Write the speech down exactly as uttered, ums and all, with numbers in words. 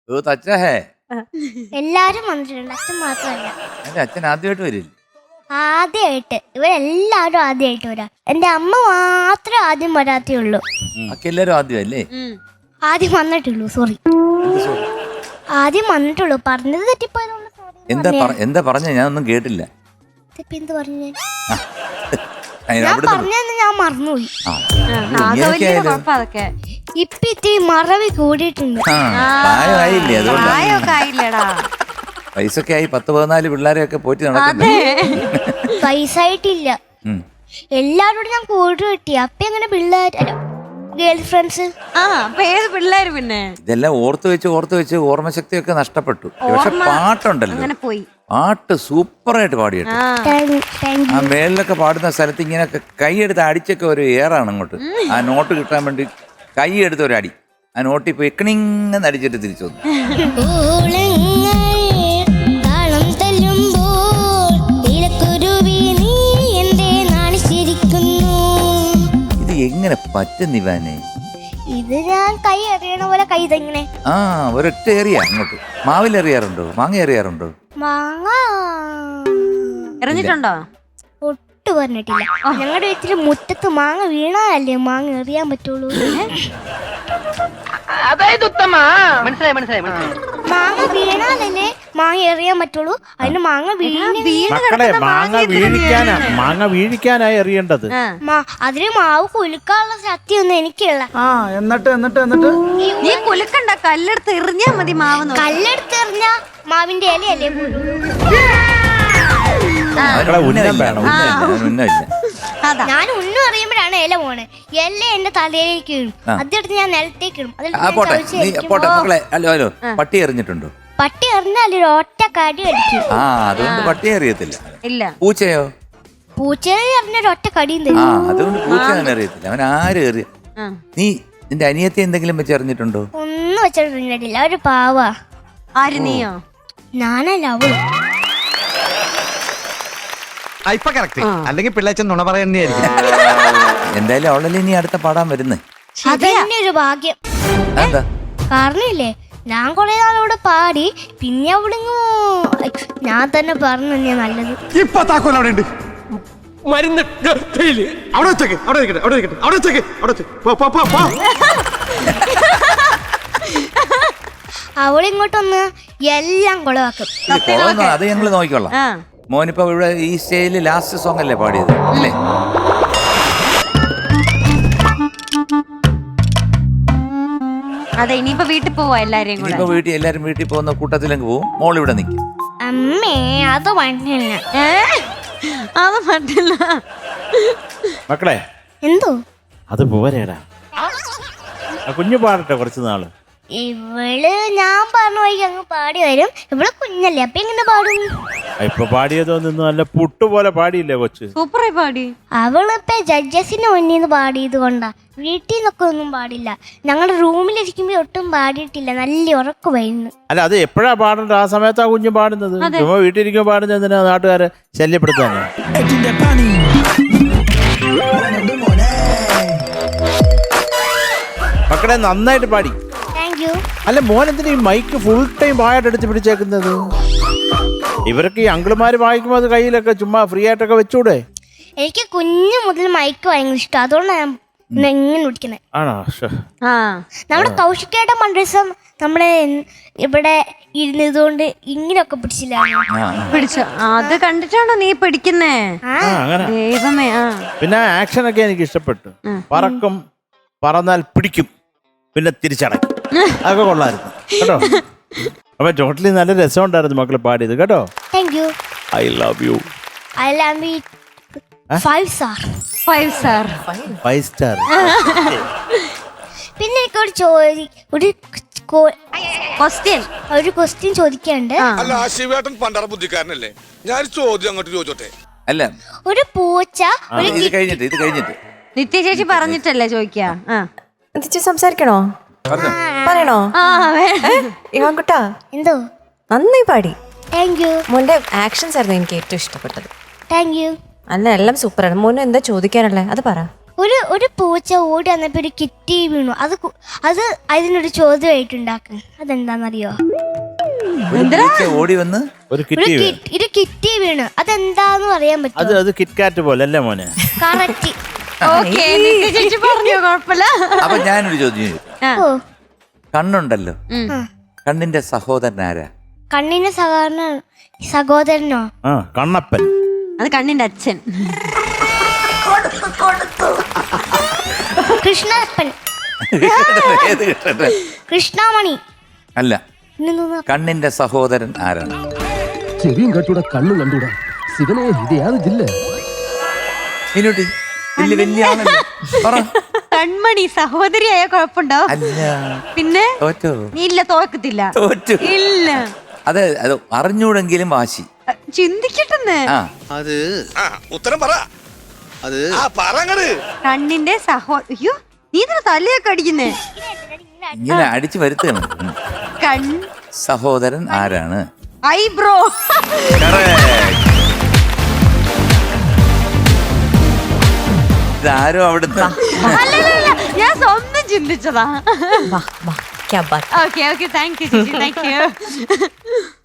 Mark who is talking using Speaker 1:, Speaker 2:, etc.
Speaker 1: എല്ലാരും വന്നിട്ടുണ്ട്, അച്ഛൻ മാത്രമല്ല.
Speaker 2: എന്റെ അച്ഛൻ ആദ്യമായിട്ട് വരില്ല.
Speaker 1: ആദ്യമായിട്ട് ഇവരെല്ലാരും ആദ്യമായിട്ട് വരാം. എന്റെ അമ്മ മാത്രമേ ആദ്യം വരാത്തേ ഉള്ളൂ.
Speaker 2: എല്ലാരും ആദ്യമല്ലേ?
Speaker 1: ആദ്യം വന്നിട്ടുള്ളൂ. സോറി, ആദ്യം വന്നിട്ടുള്ളൂ. പറഞ്ഞത് തെറ്റിപ്പോയതുകൊണ്ട്
Speaker 2: എന്താ എന്താ പറഞ്ഞ? ഞാനൊന്നും കേട്ടില്ല.
Speaker 1: എന്ത് പറഞ്ഞു? ഞാൻ പറഞ്ഞെന്ന് ഞാൻ മറന്നുപോയി. ഇപ്പൊ ഇത്തിരി മറവി കൂടിയിട്ടുണ്ട്.
Speaker 2: പൈസൊക്കെ ആയി, പത്ത് പതിനാല് പിള്ളേരെയൊക്കെ പോറ്റി നടക്കുന്നു.
Speaker 1: പൈസ ആയിട്ടില്ല. എല്ലാരോടും ഞാൻ കൂടി കിട്ടി. അപ്പൊ എങ്ങനെ പിള്ളേർ ഗേൾ ഫ്രണ്ട്സ്
Speaker 3: പിള്ളേര് പിന്നെ
Speaker 2: ഇതെല്ലാം ഓർത്ത് വെച്ച് ഓർത്ത് വെച്ച് ഓർമ്മശക്തിയൊക്കെ നഷ്ടപ്പെട്ടു. പക്ഷെ പാട്ടുണ്ടല്ലോ, പാട്ട് സൂപ്പറായിട്ട് പാടിയിട്ട് ആ മേളിലൊക്കെ പാടുന്ന സ്ഥലത്ത് ഇങ്ങനെയൊക്കെ കൈയെടുത്ത് അടിച്ചൊക്കെ ഒരു ഏറാണ് അങ്ങോട്ട്. ആ നോട്ട് കിട്ടാൻ വേണ്ടി കൈയെടുത്ത് ഒരു അടി, ആ നോട്ടിൽ പോയി എക്കണിങ്ങനെ അടിച്ചിട്ട് തിരിച്ചു വന്നു. ഇത് എങ്ങനെ പറ്റുന്നിവാനെ?
Speaker 1: ഇത് ഞാൻ കൈ എറിയണ പോലെ കൈ ഇതെങ്ങനെ.
Speaker 2: ആ ഒരൊറ്റ എറിയ അങ്ങോട്ട്. മാവിൽ എറിയാറുണ്ടോ? മാങ്ങ എറിയാറുണ്ടോ?
Speaker 1: മാങ്ങ
Speaker 3: എറിഞ്ഞിട്ടുണ്ടോ?
Speaker 1: ഒട്ടും പറഞ്ഞിട്ടില്ല. ഞങ്ങളുടെ വീട്ടില് മുറ്റത്ത് മാങ്ങ വീണാലല്ലേ മാങ്ങ എറിയാൻ പറ്റുള്ളൂ.
Speaker 4: അതായത് ഉത്തമ മനസ്സിലായി മനസ്സിലായി
Speaker 1: മാങ്ങ വീണാലല്ലേ മാങ്ങ എറിയാൻ പറ്റുള്ളൂ. അതിന് മാങ്ങ
Speaker 5: മക്കളെ മാങ്ങ വീഴിക്കാനാ മാങ്ങ വീഴിക്കാനായി എറിയേണ്ടത്.
Speaker 1: അതിന് മാവ് കുലുക്കാനുള്ള ശക്തിയൊന്നും എനിക്കുള്ള.
Speaker 4: എന്നിട്ട് എന്നിട്ട് എന്നിട്ട്
Speaker 3: നീ കുലുക്കണ്ട, കല്ലെടുത്ത് എറിഞ്ഞാ മതി മാവ്.
Speaker 1: കല്ലെടുത്ത് എറിഞ്ഞാ മാവിന്റെ ഇലയല്ലേ പോലും. ഞാൻ ഉണ്ണു അറിയുമ്പോഴാണ് ഇല പോണേ. ഇല എന്റെ തലയിലേക്ക് ഇടും, അതെടുത്ത് ഞാൻ നിലത്തേക്ക് ഇടും.
Speaker 2: പട്ടി എറിഞ്ഞിട്ടുണ്ടോ?
Speaker 1: പട്ടി എറിഞ്ഞാൽ ഒറ്റ കടി അടിക്കും.
Speaker 2: ആ അതുകൊണ്ട് പട്ടി അറിയത്തില്ല.
Speaker 3: ഇല്ല.
Speaker 2: പൂച്ചയോ?
Speaker 1: പൂച്ചയെ എറിഞ്ഞൊരു ഒറ്റ കടിയും തരും.
Speaker 2: ആ അതുകൊണ്ട് പൂച്ച തന്നെ അറിയത്തില്ല. അവൻ ആരും എറിയ. നീ നിന്റെ അനിയത്തെ എന്തെങ്കിലും വെച്ച് എറിഞ്ഞിട്ടുണ്ടോ?
Speaker 1: ഒന്നും വെച്ചിട്ടില്ല. ഒരു പാവാ.
Speaker 3: ആര്? നീയോ?
Speaker 1: ഞാനല്ല, അവള്.
Speaker 6: ഇപ്പൊ കറക്റ്റ്. അല്ലെങ്കിൽ പിള്ളേച്ചൻ നുണ പറയുന്നതായിരിക്കും.
Speaker 2: എന്തായാലും അവളല്ലേ നീ അടുത്ത പാടാൻ വരുന്നേ.
Speaker 1: അതന്നെ ഒരു ഭാഗ്യം.
Speaker 2: എന്താ
Speaker 1: കാരണമില്ലേ, ഞാൻ കൊറേ നാളോടെ പാടി, പിന്നെ അവളിങ്ങോ ഞാൻ തന്നെ പറഞ്ഞു തന്നെയാ നല്ലത്.
Speaker 6: ഇപ്പൊ താക്കോൽ അവിടെ ഉണ്ട്.
Speaker 4: മരുന്ന്
Speaker 6: അവിടെ വെച്ചേക്ക്, അവിടെ വെക്കട്ടെ, അവിടെ വെക്കട്ടെ, അവിടെ വെച്ചേക്ക്, അവിടെ വെച്ചേക്ക്.
Speaker 1: അവളിങ്ങോട്ടൊന്ന് എല്ലാം കുളവാക്കും.
Speaker 2: അത് ഞങ്ങള് നോക്കിക്കൊള്ളാം. മോനിപ്പോ ഇവിടെ ഈ സ്റ്റേജില് ലാസ്റ്റ് സോങ് അല്ലേ പാടിയത് അല്ലേ?
Speaker 3: അതെ, ഇനിയിപ്പോ വീട്ടിൽ പോവാ എല്ലാരെയും കൂടെ.
Speaker 2: ഇനിയിപ്പോ വീട്ടിൽ എല്ലാരും വീട്ടിൽ പോകുന്ന കൂട്ടത്തിലേക്ക് പോവും. മോൾ ഇവിടെ നിൽക്കും.
Speaker 1: അമ്മേ അത് പറ്റില്ല.
Speaker 3: അത് പറ്റില്ല
Speaker 5: മക്കളെ.
Speaker 1: എന്തോ
Speaker 5: അത് പോരേടാ, കുഞ്ഞു പാടട്ടെ കുറച്ച് നാള്.
Speaker 1: ഇവള് ഞാൻ പറഞ്ഞ വഴിക്ക് അങ്ങ് പാടി വരും. ഇവള് കുഞ്ഞല്ലേ, അപ്പൊ എങ്ങനെ പാടും?
Speaker 5: ഇപ്പൊ പാടിയതൊന്നും നല്ല പുട്ടുപോലെ പാടിയില്ലേ കൊച്ച്?
Speaker 3: സൂപ്പറായി പാടി.
Speaker 1: അവളിപ്പോ ജഡ്ജസിന് മുന്നിൽ നിന്ന് പാടിയത് കൊണ്ടാ. വീട്ടിൽ നിന്നൊക്കെ ഒന്നും പാടില്ല. ഞങ്ങളുടെ റൂമിലിരിക്കുമ്പോ ഒട്ടും പാടിയിട്ടില്ല. നല്ല ഉറക്കമായിരുന്നു.
Speaker 5: അല്ല അത് എപ്പോഴാ പാടേണ്ടത്? ആ സമയത്താ കുഞ്ഞു പാടുന്നത്. ചുമ്മാ വീട്ടിലിരിക്കുമ്പോ പാടുന്നത് എന്തിനാ? നാട്ടുകാരെ ശല്യപ്പെടുത്താനോ? മക്കളെ നന്നായിട്ട് പാടി. അല്ല മോൻ എന്തിനാ ഈ മൈക്ക് ഫുൾ ടൈം വായിട്ട് എടുത്ത് പിടിച്ചേക്കുന്നത്? ഇവരൊക്കെ ഈ അങ്കിളുമാര് വായിക്കുമ്പോ അത് കയ്യിലൊക്കെ ചുമ്മാ ഫ്രീ ആയിട്ടൊക്കെ വെച്ചൂടെ?
Speaker 1: എനിക്ക് കുഞ്ഞു മുതൽ മൈക്ക് ഭയങ്കര ഇഷ്ടം. അതുകൊണ്ടാണ് ഞാൻ ഇങ്ങനെ പിടിക്കുന്നത്.
Speaker 5: ആണോ?
Speaker 1: നമ്മുടെ കൗശികയുടെ മണ്ഡലം നമ്മളെ ഇവിടെ ഇരുന്നതുകൊണ്ട് ഇങ്ങനെയൊക്കെ പിടിച്ചില്ല.
Speaker 3: പിടിച്ചോ? അത് കണ്ടിട്ടാണോ നീ പിടിക്കുന്നേ? ദൈവമേ.
Speaker 5: പിന്നെ ആക്ഷൻ ഒക്കെ എനിക്ക് ഇഷ്ടപ്പെട്ടു. പറക്കും, പറന്നാൽ പിടിക്കും, പിന്നെ തിരിച്ചടക്കും. അതൊക്കെ കൊള്ളായിരുന്നു കേട്ടോ. അപ്പൊ ടോട്ടലി നല്ല രസമുണ്ടായിരുന്നു മക്കള് പാടിയത് കേട്ടോ.
Speaker 1: Thank you.
Speaker 5: I love you.
Speaker 1: I love you. Five star.
Speaker 3: Five star.
Speaker 5: Five star.
Speaker 1: പിന്നെ എനിക്ക് ഒരു ചോദി ഒരു
Speaker 3: ക്വസ്റ്റ്യൻ
Speaker 1: ഒരു ക്വസ്റ്റ്യൻ ചോദിക്കാണ്ട്.
Speaker 7: അല്ല ശിവേട്ടൻ പണ്ടറ ബുദ്ധിക്കാരനല്ലേ? ഞാൻ ചോദ്യം അങ്ങോട്ട് ചോദിച്ചോട്ടെ.
Speaker 2: അല്ല
Speaker 1: ഒരു പൂച്ച
Speaker 2: ഇത് കഴിഞ്ഞിട്ട് ഇത് കഴിഞ്ഞിട്ട്
Speaker 3: നിത്യ ചേച്ചി പറഞ്ഞിട്ടല്ലേ ചോദിക്കാ?
Speaker 8: സംസാരിക്കണോ? പറയണോ? ഇവാൻകുട്ടാ
Speaker 1: എന്തോ
Speaker 8: നന്നായി പാടി.
Speaker 1: Thank you.
Speaker 8: മോന്റെ ആക്ഷൻസ് ആയിരുന്നു എനിക്ക് ഏറ്റവും ഇഷ്ടപ്പെട്ടത്.
Speaker 1: Thank you.
Speaker 8: അല്ല എല്ലാം സൂപ്പറാണ്. മോനെ എന്താ ചോദിക്കാനല്ലേ അത് പറ.
Speaker 1: ഒരു ഒരു പൂച്ച ഓടി വന്നപ്പോ ഒരു കിറ്റി വീണു. അത് കു- അത് അതിനൊരു ചോദ്യമായിട്ടുണ്ടാക്കും. അതെന്താന്നറിയോ?
Speaker 2: ഒരു പൂച്ച ഓടി വന്ന്
Speaker 5: ഒരു
Speaker 1: ഒരു
Speaker 5: കിറ്റി വേ-
Speaker 1: കി- ഒരു കിറ്റി വീണു. അതെന്താന്ന് പറയാൻ
Speaker 5: അത്
Speaker 1: പറ്റുമോ?
Speaker 5: അത് കിറ്റ്കാറ്റ് പോലെ അല്ലേ മോനെ?
Speaker 1: കറക്റ്റ്.
Speaker 3: ഓക്കെ ചേച്ചി പറഞ്ഞോ, കുഴപ്പമില്ല.
Speaker 2: അപ്പൊ ഞാനൊരു ചോദ്യം ചോദിക്കാം.
Speaker 1: ഓ
Speaker 2: കണ്ണുണ്ടല്ലോ,
Speaker 3: ഉം.
Speaker 2: കണ്ണിന്റെ സഹോദരൻ ആരാ?
Speaker 1: കണ്ണിന് സഹോദരനോ സഹോദരനോ
Speaker 5: ആ കണ്ണപ്പൻ.
Speaker 3: അത് കണ്ണിന്റെ അച്ഛൻ.
Speaker 1: കൃഷ്ണപ്പൻ.
Speaker 2: ഏത് കൃഷ്ണൻ?
Speaker 1: കൃഷ്ണമണി.
Speaker 2: അല്ല,
Speaker 1: പിന്നെന്താ?
Speaker 2: കണ്ണിന്റെ സഹോദരൻ ആരാണ്?
Speaker 9: ചെവിയും കണ്ടൂടാ കണ്ണും കണ്ടൂടാ ശിവനെ ഇത് യാതൊരു ജില്ല
Speaker 2: മിനുട്ടി വലിയ വലിയ ആളല്ലേ? പറ.
Speaker 3: കൺമണി സഹോദരിയായ കുഴപ്പമുണ്ടോ?
Speaker 2: അല്ല,
Speaker 3: പിന്നെ
Speaker 2: തോറ്റോ?
Speaker 3: ഇല്ല, തോക്കത്തില്ല.
Speaker 2: തോറ്റു.
Speaker 3: ഇല്ല,
Speaker 2: അതെ, അത് അറിഞ്ഞൂടെങ്കിലും വാശി.
Speaker 3: ചിന്തിക്കട്ടെന്ന്.
Speaker 2: ആ
Speaker 6: അത്
Speaker 7: ആ ഉത്തരം പറ.
Speaker 6: അത്
Speaker 7: ആ പറങ്ങട്.
Speaker 3: കണ്ണിന്റെ സഹോ അയ്യോ നീ ഇതിന് തലയൊക്കെ അടിക്കുന്നേ.
Speaker 2: ഇങ്ങനെ അടിച്ചു വരുത്തുകയാണ്. ഉം.
Speaker 3: കൺ
Speaker 2: സഹോദരൻ ആരാണ്?
Speaker 3: ഐബ്രോ.
Speaker 2: Correct. ഇതാരോ അവിടുത്തെ
Speaker 3: അല്ലല്ല, ഞാൻ സ്വന്തം ചിന്തിച്ചതാ.
Speaker 8: വാ വാ ക്യാ ബാത്.
Speaker 3: ഓക്കെ ഓക്കെ താങ്ക് യു ചേച്ചി, താങ്ക് യു.